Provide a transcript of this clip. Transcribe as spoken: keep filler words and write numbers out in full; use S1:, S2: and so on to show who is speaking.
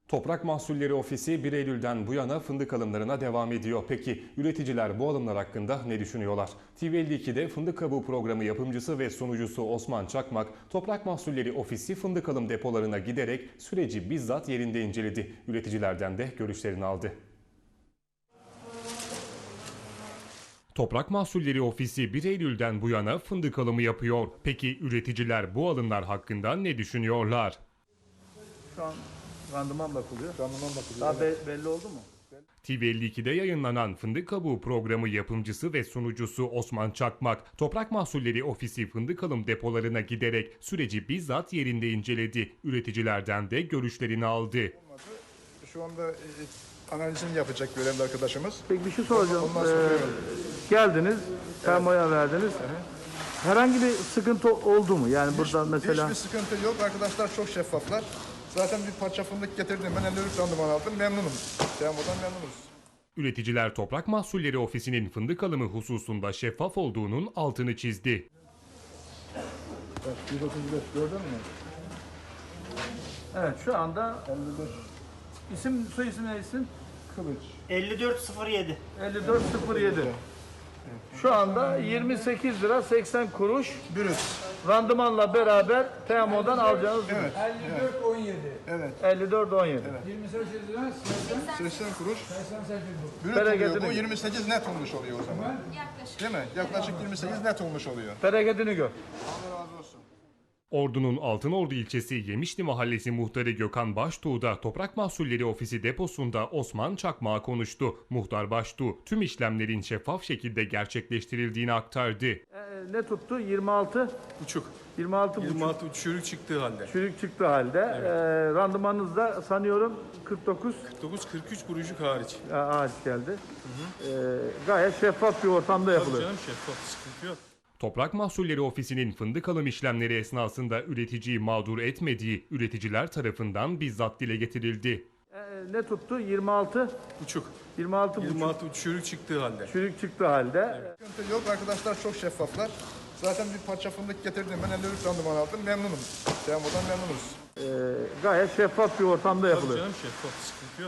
S1: Toprak Mahsulleri Ofisi bir Eylül'den bu yana fındık alımlarına devam ediyor. Peki üreticiler bu alımlar hakkında ne düşünüyorlar? T V elli iki'de Fındık Kabuğu programı yapımcısı ve sunucusu Osman Çakmak, Toprak Mahsulleri Ofisi fındık alım depolarına giderek süreci bizzat yerinde inceledi. Üreticilerden de görüşlerini aldı. Toprak Mahsulleri Ofisi bir Eylül'den bu yana fındık alımı yapıyor. Peki üreticiler bu alımlar hakkında ne düşünüyorlar?
S2: Şu an randıman bakılıyor.
S3: Randıman bakılıyor.
S2: Daha
S3: Evet.
S2: be- belli oldu mu?
S1: T V elli iki'de yayınlanan Fındık Kabuğu programı yapımcısı ve sunucusu Osman Çakmak, Toprak Mahsulleri Ofisi fındık alım depolarına giderek süreci bizzat yerinde inceledi. Üreticilerden de görüşlerini aldı.
S3: Şu anda e, analizini yapacak görevli arkadaşımız.
S2: Peki bir şey soracağım.
S3: Ondan sonra
S2: Ee,
S3: duyuyorum.
S2: geldiniz, termoya verdiniz. Herhangi bir sıkıntı oldu mu? Yani burada mesela...
S3: Hiçbir sıkıntı yok. Arkadaşlar çok şeffaflar. Zaten bir parça fındık getirdim. Ben elli üç randıman aldım. Memnunum. Temo'dan memnunuz.
S1: Üreticiler Toprak Mahsulleri Ofisi'nin fındık alımı hususunda şeffaf olduğunun altını çizdi.
S3: Evet, yüz otuz beş gördün mü?
S2: Evet, şu anda
S3: elli beş
S2: isim, soy isim ne isim?
S3: kılıç.
S4: elli dört sıfır yedi.
S2: elli dört sıfır yedi. Şu anda yirmi sekiz lira seksen kuruş
S3: Brüt.
S2: randımanla beraber T M O'dan alacağınız ürün.
S3: Evet.
S5: elli dört on yedi.
S3: Evet.
S2: elli dört on yedi.
S5: yirmi sekiz lira seksen
S3: seksen kuruş.
S5: seksen sekiz bu.
S3: Brüt
S2: Bereketini
S3: oluyor. Bu
S2: gör.
S3: yirmi sekiz net olmuş oluyor o zaman. Değil mi? Yaklaşık yirmi sekiz net olmuş oluyor.
S2: Bereketini gör.
S3: Allah razı olsun.
S1: Ordu'nun Altınordu ilçesi Yemişli Mahallesi muhtarı Gökhan Baştuğ da Toprak Mahsulleri Ofisi deposunda Osman Çakmak'a konuştu. Muhtar Baştuğ tüm işlemlerin şeffaf şekilde gerçekleştirildiğini aktardı.
S2: Ee, ne tuttu? yirmi altı
S6: Buçuk.
S2: yirmi altı buçuk
S6: yirmi altı çürük çıktığı halde.
S2: çürük çıktı halde. Ee, randımanınız da sanıyorum kırk dokuz
S6: dokuz kırk üç kuruşluk hariç.
S2: ağaç geldi. Ee, gayet şeffaf bir ortamda
S6: Tabii
S2: yapılıyor.
S6: canım şeffaf sıkıntı yok.
S1: Toprak Mahsulleri Ofisi'nin fındık alım işlemleri esnasında üreticiyi mağdur etmediği üreticiler tarafından bizzat dile getirildi.
S2: Ee, ne tuttu? yirmi altı
S6: Buçuk.
S2: yirmi altı buçuk
S6: yirmi altı çürük çıktığı halde.
S2: çürük çıktı halde.
S3: Sıkıntı yok. Arkadaşlar çok şeffaflar. Zaten bir parça fındık getirdim. Ben elli üç randıman aldım. Memnunum. Temo'dan memnunuz.
S2: Ee, gayet şeffaf bir ortamda
S6: Tabii
S2: yapılıyor.
S6: canım şeffaf sıkıntı yok.